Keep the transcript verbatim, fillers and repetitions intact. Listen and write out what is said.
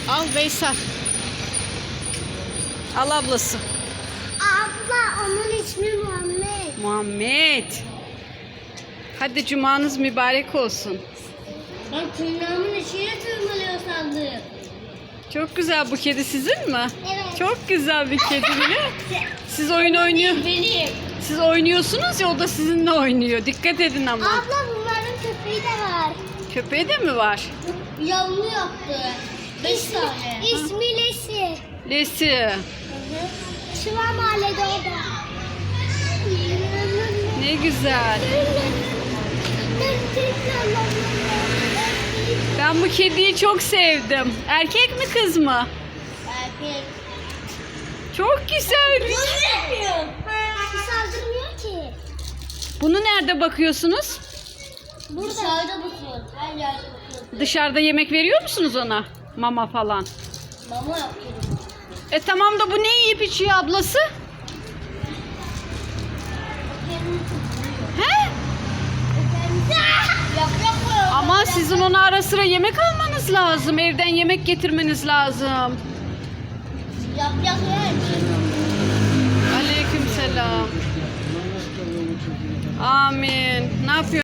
Al Veysel. Al ablası. Abla onun ismi Muhammed. Muhammed. Hadi cumanız mübarek olsun. Ben tırnağımın içine tırmalıyor sandım. Çok güzel, bu kedi sizin mi? Evet. Çok güzel bir kedi bile. Siz oyun oynuyor. Benim. Siz oynuyorsunuz ya, o da sizinle oynuyor. Dikkat edin ama. Abla bunların köpeği de var. Köpeği de mi var? Yavru yaptı. Beş tane. İsmi Lesi. Lesi. Şıva mahallede o da. Ne güzel. Ben bu kediyi çok sevdim. Erkek mi kız mı? Erkek. Çok güzel. Saldırmıyor. Saldırmıyor ki. Bunu nerede bakıyorsunuz? Burada. Dışarıda bakıyor. Her yerde bakıyor. Dışarıda yemek veriyor musunuz ona? Mama falan. Mama yapıyor. E tamam da bu ne yiyip içiyor ablası? He? Yap yapıyor. Ama sizin ona ara sıra yemek almanız lazım. Evden yemek getirmeniz lazım. Yap yap yer. Aleykümselam. Amin. Ne yapıyor?